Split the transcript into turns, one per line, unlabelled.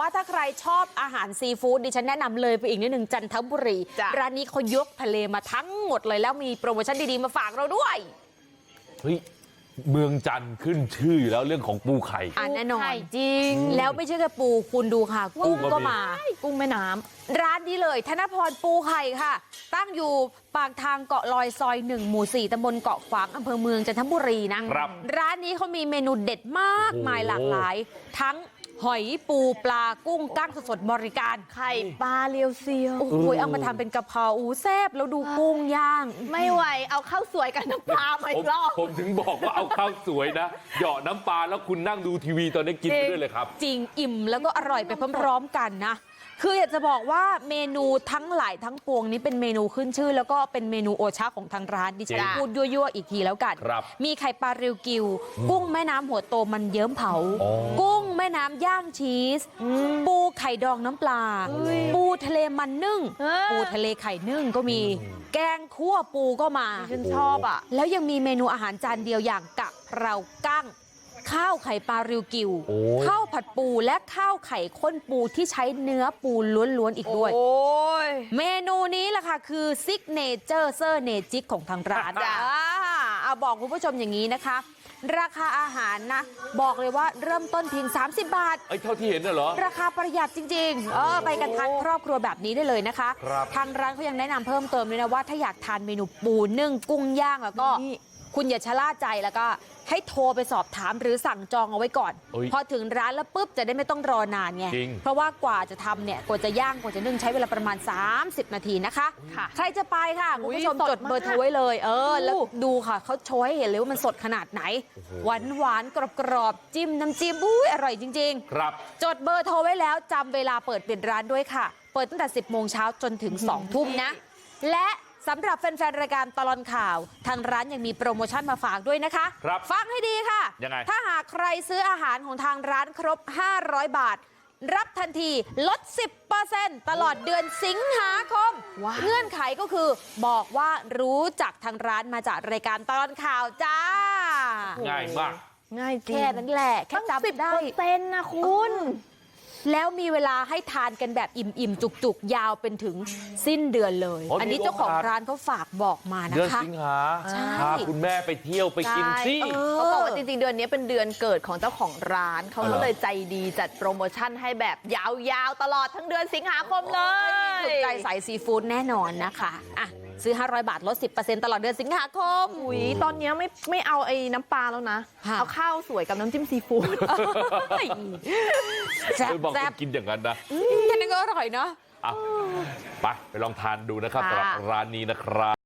ว่าถ้าใครชอบอาหารซีฟู้ดดิฉันแนะนำเลยไปอีกนิดหนึ่งจันทบุรีร้านนี้เขายกทะเลมาทั้งหมดเลยแล้วมีโปรโมชั่นดีๆมาฝากเราด้วย
เฮ้ยเมืองจันทร์ขึ้นชื่ออยู่แล้วเรื่องของปูไข่
แน่นอนจริงแล้วไม่ใช่แค่ปูคุณดูค่ะกุ้งก็มา
กุ้งแม่น้ำ
ร้านนี้เลยธนพรปูไข่ค่ะตั้งอยู่ปากทางเกาะลอยซอย1หมู่4ตำบลเกาะขวางอำเภอเมืองจันทบุรีนะร้านนี้เขามีเมนูเด็ดมากมายหลากหลายทั้งหอยปูปลากุ้งกั้งสดๆบริการ
ไข่ปลาเรียวเซียว
โอ้โหเอามาทำเป็นกะเพราแซ่บแล้วดูกุ้งย่าง
ไม่ไหวเอาข้าวสวยกับน้ำปลามาอีกรอบ
ผมถึงบอกว่าเอาข้าวสวยนะเหยาะน้ำปลาแล้วคุณนั่งดูทีวีตอนนี้กินไปด้วยเลยครับ
จริงอิ่มแล้วก็อร่อยไปพร้อมๆกันนะคืออยากจะบอกว่าเมนูทั้งหลายทั้งปวงนี้เป็นเมนูขึ้นชื่อแล้วก็เป็นเมนูโอชาของทางร้านดิฉันพูดยั่วๆอีกทีแล้วกันมีไข่ปลาริวกิวกุ้งแม่น้ำหัวโตมันเยิ้มเผากุ้งแม่น้ำย่างชีสปูไข่ดองน้ำปลาปูทะเลมันนึ่งปูทะเลไข่นึ่งก็มีแกงคั่วปูก็มา
ฉันชอบอ่ะ
แล้วยังมีเมนูอาหารจานเดียวอย่างกะเพรากั้งข้าวไข่ปลาริวกิวข้าวผัดปูและข้าวไข่ข้นปูที่ใช้เนื้อปูล้วนๆอีกด้วยเมนูนี้แหละค่ะคือซิกเนเจอร์เซอร์เนจิกของทางร้านเอาบอกคุณผู้ชมอย่างนี้นะคะราคาอาหารนะบอกเลยว่าเริ่มต้นเพียง30 บาท
เท่าที่เห็นน่ะเหรอ
ราคาประหยัดจริงๆไปกันทานครอบครัวแบบนี้ได้เลยนะคะทางร้านเขายังแนะนำเพิ่มเติมเลยนะว่าถ้าอยากทานเมนูปูนึ่งกุ้งย่างแล้วก็คุณอย่าชะล่าใจแล้วก็ให้โทรไปสอบถามหรือสั่งจองเอาไว้ก่อนพอถึงร้านแล้วปุ๊บจะได้ไม่ต้องรอนานไงเพราะว่ากว่าจะทำเนี่ยกว่าจะย่างกว่าจะนึ่งใช้เวลาประมาณ30 นาทีนะคะใครจะไปค่ะคุณผู้ชมจดเบอร์โทรไว้เลยแล้วดูค่ะเขาโชว์ให้เห็นเลยว่ามันสดขนาดไหนหวานกรอบจิ้มน้ำจิ้มอร่อยจริงๆ
ครับ
จดเบอร์โทรไว้แล้วจำเวลาเปิดปิดร้านด้วยค่ะเปิดตั้งแต่10 โมงเช้าจนถึง2 ทุ่มนะและสำหรับแฟนๆรายการตลอดข่าวทางร้านยังมีโปรโมชั่นมาฝากด้วยนะคะฟังให้ดีค่ะ
ยังไง
ถ้าหากใครซื้ออาหารของทางร้านครบ500 บาทรับทันทีลด 10% ตลอดเดือนสิงหาคมเงื่อนไขก็คือบอกว่ารู้จักทางร้านมาจากรายการตลอดข่าวจ้า
ง่ายมาก
ง่ายจริง
แค่นั้นแหละแค่จำได้
10%นะคุณ
แล้วมีเวลาให้ทานกันแบบอิ่มๆจุกๆยาวเป็นถึงสิ้นเดือนเลยอันนี้เจ้าของร้านเขาฝากบอกมานะคะ
เดือนสิงหาพาคุณแม่ไปเที่ยวไปกินสิ
เขาบอกว่าจริงๆเดือนนี้เป็นเดือนเกิดของเจ้าของร้านเขาก็เลยใจดีจัดโปรโมชั่นให้แบบยาวๆตลอดทั้งเดือนสิงหาคมเลย
ถูกใจสายซีฟู้ดแน่นอนนะคะอ่ะซื้อ500 บาทลด 10% ตลอดเดือนสิงหาคม
ตอนนี้ไม่เอาไอ้น้ำปลาแล้วนะเอาข้าวสวยกับน้ำจิ้มซีฟู้ด
แซ่บกินอย่างนั้นนะ
แค่นั้นก็อร่อยเนาะ
ไปลองทานดูนะครับสำหรับร้านนี้นะครับ